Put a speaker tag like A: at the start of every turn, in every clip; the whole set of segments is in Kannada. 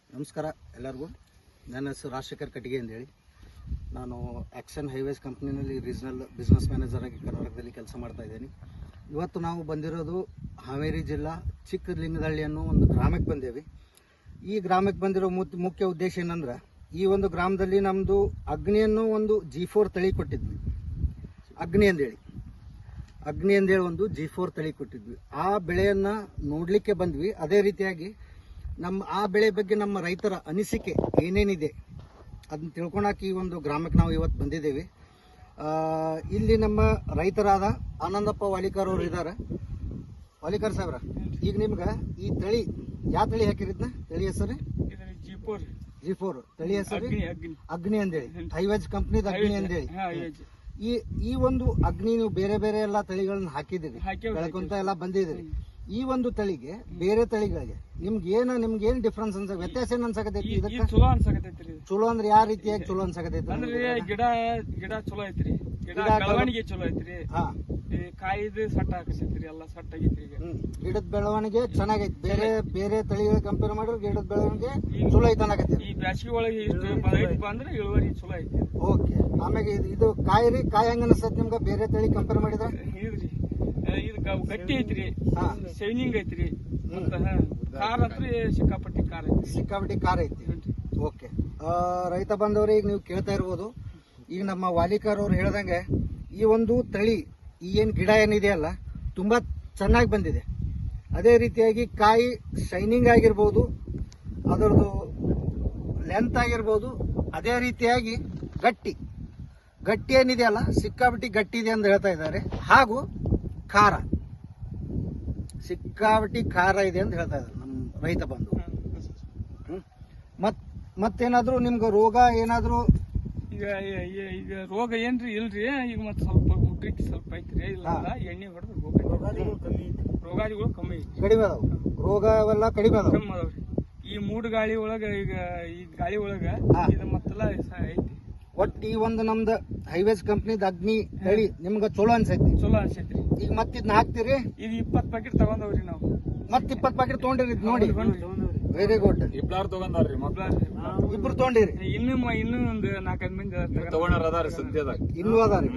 A: ನಮಸ್ಕಾರ ಎಲ್ಲರಿಗೂ. ನನ್ನ ಹೆಸರು ರಾಜಶೇಖರ್ ಕಟ್ಟಿಗೆ ಅಂತೇಳಿ. ನಾನು ಆ್ಯಕ್ಷನ್ ಹೈವೇಸ್ ಕಂಪ್ನಿನಲ್ಲಿ ರೀಜನಲ್ ಬಿಸ್ನೆಸ್ ಮ್ಯಾನೇಜರ್ ಆಗಿ ಕರ್ನಾಟಕದಲ್ಲಿ ಕೆಲಸ ಮಾಡ್ತಾ ಇದ್ದೀನಿ. ಇವತ್ತು ನಾವು ಬಂದಿರೋದು ಹಾವೇರಿ ಜಿಲ್ಲಾ ಚಿಕ್ಕಲಿಂಗದಳ್ಳಿ ಅನ್ನೋ ಒಂದು ಗ್ರಾಮಕ್ಕೆ ಬಂದೇವಿ. ಈ ಗ್ರಾಮಕ್ಕೆ ಬಂದಿರೋ ಮುಖ್ಯ ಉದ್ದೇಶ ಏನಂದ್ರೆ, ಈ ಒಂದು ಗ್ರಾಮದಲ್ಲಿ ನಮ್ಮದು ಅಗ್ನಿಯನ್ನು ಒಂದು G4 ತಳಿ ಕೊಟ್ಟಿದ್ವಿ. ಅಗ್ನಿ ಅಂದೇಳಿ ಒಂದು G4 ತಳಿ ಕೊಟ್ಟಿದ್ವಿ. ಆ ಬೆಳೆಯನ್ನು ನೋಡಲಿಕ್ಕೆ ಬಂದ್ವಿ. ಅದೇ ರೀತಿಯಾಗಿ ಆ ಬೆಳೆ ಬಗ್ಗೆ ನಮ್ಮ ರೈತರ ಅನಿಸಿಕೆ ಏನೇನಿದೆ ಅದನ್ನ ತಿಳ್ಕೊಳಕ್ಕೆ ಈ ಒಂದು ಗ್ರಾಮಕ್ಕೆ ನಾವು ಇವತ್ತು ಬಂದಿದ್ದೇವೆ. ಇಲ್ಲಿ ನಮ್ಮ ರೈತರಾದ ಆನಂದಪ್ಪ ವಾಲಿಕರ್ ಅವರು ಇದ್ದಾರೆ. ವಾಲಿಕರ್ ಸಾಹೇಬ್ರ, ಈಗ ನಿಮ್ಗೆ ಈ ತಳಿ ಯಾವ ತಳಿ ಹಾಕಿರಿದ್ನ? ತಳಿ ಹೆಸರು G4 ತಳಿ ಹೆಸರು ಅಗ್ನಿ ಅಂದೇಳಿ, ಹೈವೇಜ್ ಕಂಪ್ನಿದ ಅಗ್ನಿ ಅಂದೇಳಿ. ಈ ಒಂದು ಅಗ್ನಿ ನೀವು ಬೇರೆ ಬೇರೆ ಎಲ್ಲಾ ತಳಿಗಳನ್ನ ಹಾಕಿದಿರಿ, ಬೆಳಕೊಂತ ಎಲ್ಲ ಬಂದಿದ್ದೀರಿ. ಈ ಒಂದು ತಳಿಗೆ ಬೇರೆ ತಳಿಗಳಿಗೆ ನಿಮ್ಗೆ ಏನ್ ಡಿಫ್ರೆನ್ಸ್ ವ್ಯತ್ಯಾಸ ಏನ್ ಅನ್ಸಕತೈತಿ? ಇದಕ್ಕೆ ಚಲೋ ಅಂದ್ರೆ ಯಾವ ರೀತಿಯಾಗಿ ಚಲೋ ಅನ್ಸಕತೈತಿ?
B: ಗಿಡ ಚಲೋ ಐತ್ರಿ, ಬೆಳವಣಿಗೆ ಚಲೋ ಐತ್ರಿ, ಕಾಯಿದು ಸಟ್ಟ ಹಾಕತೈತ್ರಿ, ಎಲ್ಲ ಸಟ್ಟ ಆಗೈತ್ರಿ.
A: ಗಿಡದ ಬೆಳವಣಿಗೆ ಚೆನ್ನಾಗೈತಿ. ಬೇರೆ ತಳಿಗಳ ಕಂಪೇರ್ ಮಾಡಿದ್ರೆ ಗಿಡದ ಬೆಳವಣಿಗೆ ಚಲೋ ಐತೆ ಅನ್ನಕತ್ತೀರಿ.
B: ಈ ಬ್ಯಾಸಿಗೆ ಒಳಗೆ ಅಂದ್ರೆ ಇಳುವರಿ ಚಲೋ ಐತಿ.
A: ಓಕೆ. ಆಮೇಲೆ ಇದು ಕಾಯಿ ಹೆಂಗ ಅನಿಸ್ತೈತಿ ನಿಮ್ಗೆ ಬೇರೆ ತಳಿ ಕಂಪೇರ್ ಮಾಡಿದ್ರೆ?
B: ಇದು ಗಟ್ಟಿ ಐತ್ರಿ, ಶೈನಿಂಗ್ ಐತ್ರಿ, ಖಾರ ಹತ್ರ ಸಿಕ್ಕಾಪಟ್ಟಿ ಖಾರ ಐತಿ.
A: ಓಕೆ. ರೈತ ಬಂದವ್ರೆ, ಈಗ ನೀವು ಕೇಳ್ತಾ ಇರ್ಬೋದು, ಈಗ ನಮ್ಮ ವಾಲಿಕರ್ ಅವ್ರು ಹೇಳ್ದಂಗೆ ಈ ಒಂದು ತಳಿ ಏನ್ ಗಿಡ ಏನಿದೆಯಲ್ಲ ತುಂಬಾ ಚೆನ್ನಾಗಿ ಬಂದಿದೆ. ಅದೇ ರೀತಿಯಾಗಿ ಕಾಯಿ ಶೈನಿಂಗ್ ಆಗಿರ್ಬೋದು, ಅದರದ್ದು ಲೆಂತ್ ಆಗಿರ್ಬೋದು, ಅದೇ ರೀತಿಯಾಗಿ ಗಟ್ಟಿ ಏನಿದೆಯಲ್ಲ ಸಿಕ್ಕಾಪಟ್ಟಿ ಗಟ್ಟಿ ಇದೆ ಅಂತ ಹೇಳ್ತಾ ಇದ್ದಾರೆ. ಹಾಗೂ ಖಾರ ಸಿಕ್ಕಾಪಟ್ಟಿ ಖಾರ ಇದೆ ಅಂತ ಹೇಳ್ತಾ ಇದ್ದಾರೆ ನಮ್ಮ ರೈತ ಬಂಧು. ಮತ್ತೇನಾದ್ರು ನಿಮ್ಗೆ ರೋಗ ಏನಾದ್ರು?
B: ಈಗ ರೋಗ ಏನ್ರಿ ಇಲ್ರಿ. ಈಗ ಮತ್ತೆ ಸ್ವಲ್ಪ ಮುಟ್ರಿಕ್ ಸ್ವಲ್ಪ ಐತ್ರಿ, ಇಲ್ಲ ಎಣ್ಣೆ ಹೊಡೆದು ರೋಗಾದಿಗಳು ಕಮ್ಮಿ ಐತಿ,
A: ಕಡಿಮೆ ಅದಾವ. ರೋಗ ಅವೆಲ್ಲ ಕಡಿಮೆ ಅದಾವ್ರಿ.
B: ಈ ಮೂಡ್ ಗಾಳಿ ಒಳಗ ಈ ಗಾಳಿ ಒಳಗ ಇದು ಮತ್ತೆಲ್ಲ ಐತಿ.
A: ಒಟ್ಟು ಈ ಒಂದು ನಮ್ದು ಹೈವೇಸ್ ಕಂಪ್ನಿದ ಅಗ್ನಿ ತಳಿ ನಿಮ್ಗ ಚಲೋ ಅನ್ಸೈತಿ? ಈಗ ಮತ್ತಿದ್ನ ಹಾಕ್ತಿರಿ?
B: ಇದು 20 ಪ್ಯಾಕೆಟ್ ತಗೊಂಡವ್ರಿ ನಾವು.
A: ಮತ್ 20 ಪ್ಯಾಕೆಟ್ ತಗೊಂಡಿರಿ ನೋಡಿ. Very good. ಇಬ್ರು ತಗೊಂಡಿರಿ?
B: ಇನ್ನೂ ಒಂದು 4-5 ಮಂದಿ ತಗೊಂಡಾರ ಸದ್ಯದಾಗ.
A: ಇನ್ನೂ ಅದಾರಿ.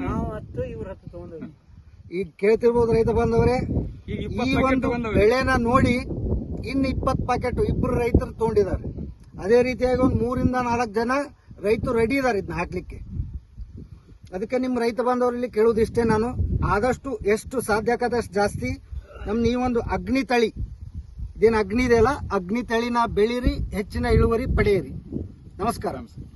A: ಈಗ ಕೇಳ್ತಿರ್ಬೋದು ರೈತ ಬಂದವ್ರೆ, ಈ ಒಂದು ಬೆಳೆನ ನೋಡಿ ಇನ್ನು 20 ಪ್ಯಾಕೆಟ್ ಇಬ್ರು ರೈತರು ತಗೊಂಡಿದ್ದಾರೆ. ಅದೇ ರೀತಿಯಾಗಿ ಒಂದು 3-4 ಜನ ರೈತರು ರೆಡಿ ಇದಾರೆ ಇದನ್ನ ಹಾಕ್ಲಿಕ್ಕೆ. ಅದಕ್ಕೆ ನಿಮ್ಮ ರೈತ ಬಾಂಧವರಲ್ಲಿ ಕೇಳುವುದಿಷ್ಟೇ, ನಾನು ಆದಷ್ಟು ಎಷ್ಟು ಸಾಧ್ಯ ಆಗದಷ್ಟು ಜಾಸ್ತಿ ಈ ಒಂದು ಅಗ್ನಿ ತಳಿ ಇದೇನು ಅಗ್ನಿ ಇದೆಯಲ್ಲ, ಅಗ್ನಿ ತಳಿನ ಬೆಳೀರಿ, ಹೆಚ್ಚಿನ ಇಳುವರಿ ಪಡೆಯಿರಿ. ನಮಸ್ಕಾರ.